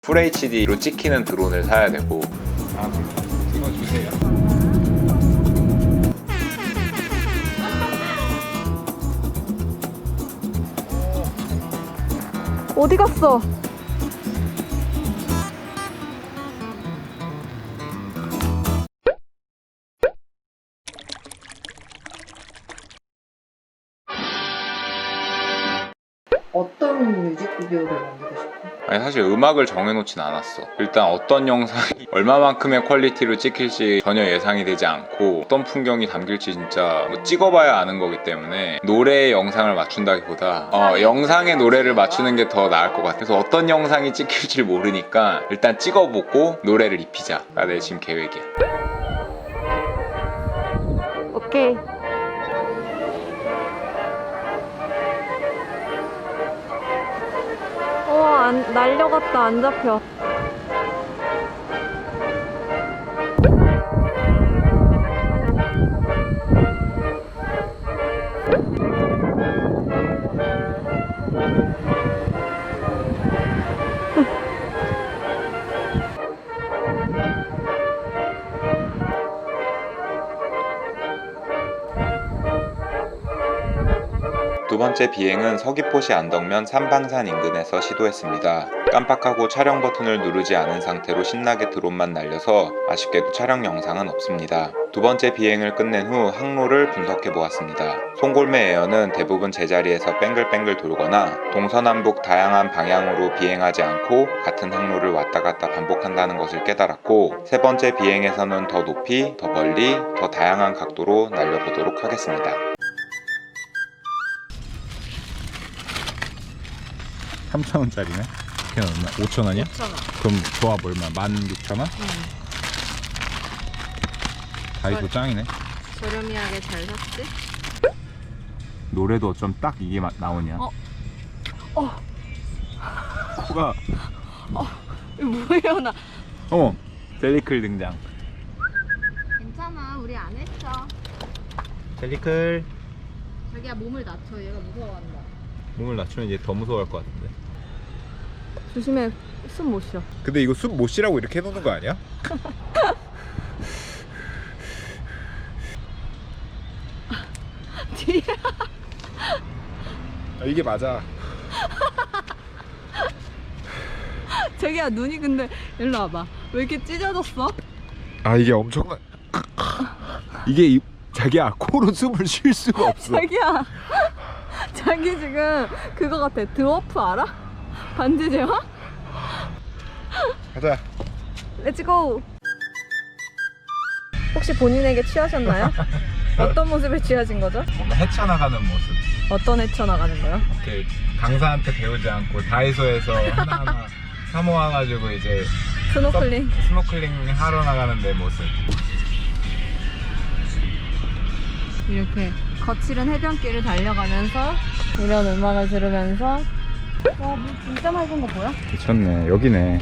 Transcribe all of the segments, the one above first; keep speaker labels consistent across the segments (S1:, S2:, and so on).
S1: FHD로 찍히는 드론을 사야 되고.
S2: 이거 주세요.
S3: 어디 갔어? 어떤 뮤직비디오를 만들고 싶어?
S1: 아니 사실 음악을 정해놓진 않았어. 일단 어떤 영상이 얼마만큼의 퀄리티로 찍힐지 전혀 예상이 되지 않고 어떤 풍경이 담길지 진짜 뭐 찍어봐야 아는 거기 때문에 노래의 영상을 맞춘다기보다 영상의 노래를 맞추는 게 더 나을 것 같아. 그래서 어떤 영상이 찍힐지 모르니까 일단 찍어보고 노래를 입히자가 내 지금 계획이야.
S3: 오케이. 날려갔다. 안 잡혀.
S1: 두 번째 비행은 서귀포시 안덕면 삼방산 인근에서 시도했습니다. 깜빡하고 촬영 버튼을 누르지 않은 상태로 신나게 드론만 날려서 아쉽게도 촬영 영상은 없습니다. 두 번째 비행을 끝낸 후 항로를 분석해 보았습니다. 송골매 에어는 대부분 제자리에서 뱅글뱅글 돌거나 동서남북 다양한 방향으로 비행하지 않고 같은 항로를 왔다 갔다 반복한다는 것을 깨달았고, 세 번째 비행에서는 더 높이, 더 멀리, 더 다양한 각도로 날려보도록 하겠습니다.
S2: 3,000원짜리네? 걔는 얼마? 5,000원이야?
S3: 5,000원.
S2: 그럼 조합 얼마? 16,000원? 다이소 짱이네.
S3: 저렴이하게 잘 샀지?
S2: 노래도 좀 딱 이게 나오냐? 코가
S3: 뭐예요 나?
S2: 젤리클 등장.
S3: 괜찮아, 우리 안 했어.
S2: 젤리클.
S3: 자기야 몸을 낮춰. 얘가 무서워한다.
S2: 몸을 낮추면 이제 더 무서워할 것 같은데.
S3: 조심해. 숨 못 쉬어.
S2: 근데 이거 숨 못 쉬라고 이렇게 해놓는 거 아니야?
S3: 뒤에.
S2: 이게 맞아.
S3: 자기야 눈이 근데 일로 와봐. 왜 이렇게 찢어졌어?
S2: 아 이게 엄청난. 이게 자기야 코로 숨을 쉴 수가 없어.
S3: 자기야. 자기 지금 그거 같아. 드워프 알아? 반지 제화?
S2: 가자.
S3: 렛츠고. 혹시 본인에게 취하셨나요? 어떤 모습에 취하신 거죠?
S2: 뭔가 헤쳐나가는 모습.
S3: 어떤 헤쳐나가는 거요?
S2: 이렇게 강사한테 배우지 않고 다이소에서 하나하나 사 모아가지고 이제 스노클링 하러 나가는 내 모습.
S3: 이렇게 거칠은 해변길을 달려가면서 이런 음악을 들으면서. 와, 물 진짜 맑은 거 보여?
S2: 미쳤네. 여기네.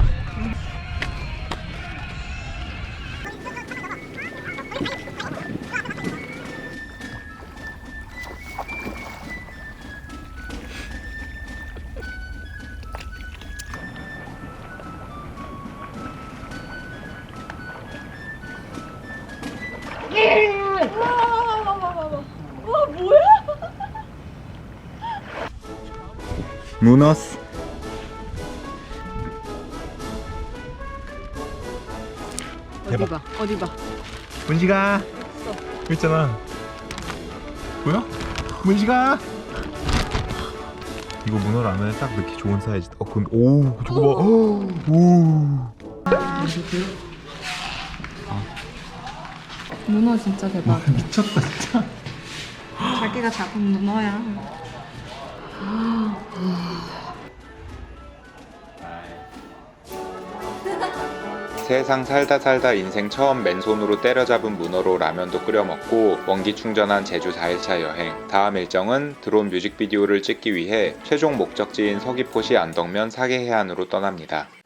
S3: 와, 뭐야?
S2: 무너스.
S3: 어디 봐, 어디 봐.
S2: 문지가. 있잖아. 뭐야? 문지가. 이거 문어 라면에 딱 넣기 좋은 사이즈. 근데 저거 봐. 오.
S3: 문어 진짜 대박.
S2: 미쳤다 진짜.
S3: 자기가 잡은 문어야.
S1: 세상 살다 살다 인생 처음 맨손으로 때려잡은 문어로 라면도 끓여 먹고 원기 충전한 제주 4일차 여행. 다음 일정은 드론 뮤직비디오를 찍기 위해 최종 목적지인 서귀포시 안덕면 사계해안으로 떠납니다.